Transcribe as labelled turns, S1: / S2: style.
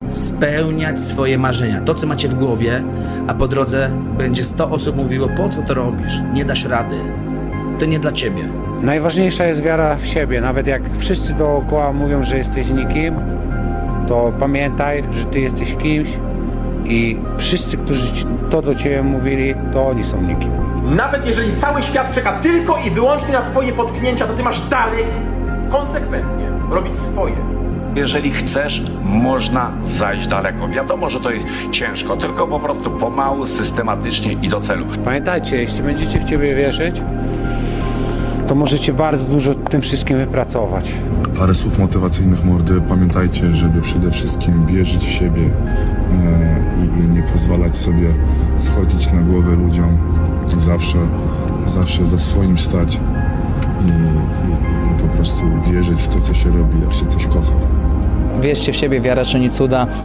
S1: spełniać swoje marzenia, to co macie w głowie, a po drodze będzie 100 osób mówiło, po co to robisz, nie dasz rady, to nie dla ciebie.
S2: Najważniejsza jest wiara w siebie. Nawet jak wszyscy dookoła mówią, że jesteś nikim, to pamiętaj, że ty jesteś kimś i wszyscy, którzy to do ciebie mówili, to oni są nikim.
S3: Nawet jeżeli cały świat czeka tylko i wyłącznie na twoje potknięcia, to ty masz dalej konsekwentnie robić swoje.
S4: Jeżeli chcesz, można zajść daleko. Wiadomo, że to jest ciężko, tylko po prostu pomału, systematycznie i do celu.
S2: Pamiętajcie, jeśli będziecie w ciebie wierzyć, to możecie bardzo dużo tym wszystkim wypracować.
S5: Parę słów motywacyjnych mordy. Pamiętajcie, żeby przede wszystkim wierzyć w siebie i nie pozwalać sobie wchodzić na głowę ludziom. Zawsze za swoim stać i po prostu wierzyć w to, co się robi, jak się coś kocha.
S6: Wierzcie w siebie, wiara czyni cuda.